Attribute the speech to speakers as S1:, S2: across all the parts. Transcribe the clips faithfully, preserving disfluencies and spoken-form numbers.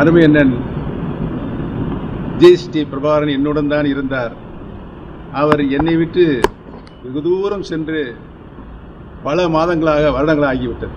S1: அருமை அண்ணன் ஜெயஸ்ரீ பிரபாகரன் என்னுடன் தான் இருந்தார். அவர் என்னை விட்டு வெகு தூரம் சென்று பல மாதங்களாக வருடங்களாக ஆகிவிட்டது.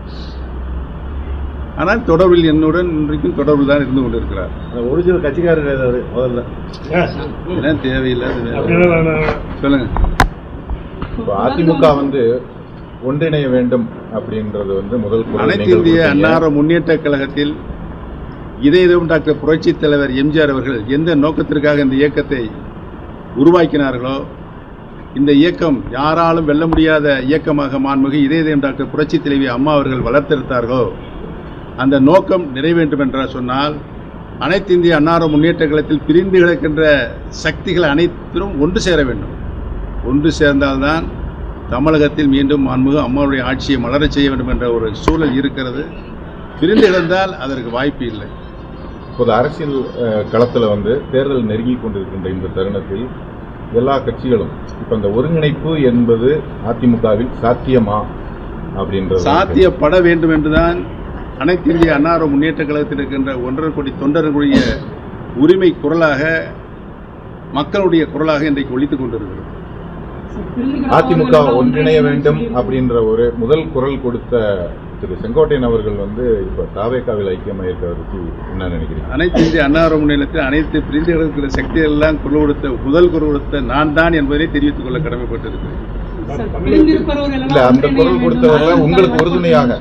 S1: ஆனால் தொடர்பில் என்னுடன் இன்றைக்கும் தொடர்பில் தான் இருந்து கொண்டிருக்கிறார்.
S2: ஒரிஜினல் கட்சிக்காரர் முதல்ல
S1: என்ன தேவையில்லாத சொல்லுங்க.
S2: அதிமுக வந்து ஒன்றிணைய வேண்டும் அப்படின்றது வந்து முதல்
S1: அனைத்து இந்திய அன்னார முன்னேற்ற கழகத்தில் இதயம் டாக்டர் புரட்சி தலைவர் எம்ஜிஆர் அவர்கள் எந்த நோக்கத்திற்காக இந்த இயக்கத்தை உருவாக்கினார்களோ, இந்த இயக்கம் யாராலும் வெல்ல முடியாத இயக்கமாக மாண்புமிகு இதயம் டாக்டர் புரட்சி தலைவி அம்மா அவர்கள் வளர்த்தெடுத்தார்களோ, அந்த நோக்கம் நிறைவேண்டும் என்று சொன்னால் அனைத்து இந்திய அன்னார முன்னேற்ற கழகத்தில் பிரிந்து கிடக்கின்ற சக்திகள் அனைத்திலும் ஒன்று சேர வேண்டும். ஒன்று சேர்ந்தால்தான் தமிழகத்தில் மீண்டும் மாண்புமிகு அம்மாவுடைய ஆட்சியை மலரச் செய்ய வேண்டும் என்ற ஒரு சூழல் இருக்கிறது. பிரிந்து கிடந்தால் அதற்கு வாய்ப்பு இல்லை.
S2: இப்போது அரசியல் களத்தில் வந்து தேர்தல் நெருங்கி கொண்டிருக்கின்ற இந்த தருணத்தில் எல்லா கட்சிகளும் இப்போ இந்த ஒருங்கிணைப்பு என்பது அதிமுகவில் சாத்தியமா அப்படின்றது
S1: சாத்தியப்பட வேண்டும் என்றுதான் அனைத்து இந்திய அன்னார முன்னேற்ற கழகத்தில் இருக்கின்ற ஒன்றரை கோடி தொண்டர்களுடைய உரிமை குரலாக, மக்களுடைய குரலாக இன்றைக்கு ஒலித்துக் கொண்டிருக்கிறது.
S2: அதிமுக ஒன்றிணைய வேண்டும் அப்படின்ற ஒரு முதல் குரல் கொடுத்த திரு செங்கோட்டையன் அவர்கள் வந்து இப்ப தாவேகாவில் ஐக்கியமாக இருக்கிறதுக்கு என்ன நினைக்கிறீங்க?
S1: அனைத்து இந்திய அன்னார முன்னேற்றத்தில் அனைத்து பிரிந்து கிடக்கிற சக்திகள் எல்லாம் குரல் கொடுத்த முதல் குரல் கொடுத்த நான் தான் என்பதை தெரிவித்துக் கொள்ள கடமைப்பட்டிருக்கிறேன்.
S2: இல்ல, அந்த குரல் கொடுத்தவர்கள் உங்களுக்கு உறுதுணையாக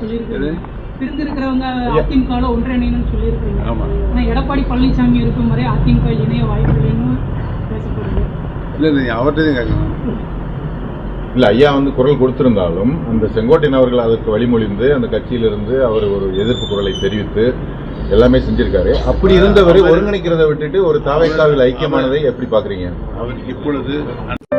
S3: எடப்பாடி பழனிசாமி இருக்கும் வரை அதிமுக இணைய வாய்ப்பு
S1: இல்லை, அவர்கிட்ட கேட்கணும்.
S2: இல்ல, ஐயா வந்து குரல் கொடுத்திருந்தாலும் அந்த செங்கோட்டையன் அவர்கள் அதற்கு வழிமொழிந்து அந்த கட்சியிலிருந்து அவர் ஒரு எதிர்ப்பு குரலை தெரிவித்து எல்லாமே செஞ்சிருக்காரு. அப்படி இருந்தவரை ஒருங்கிணைக்கிறத விட்டுட்டு ஒரு தாவேகாவில் ஐக்கியமானதை எப்படி பாக்குறீங்க?
S1: அவர் இப்பொழுது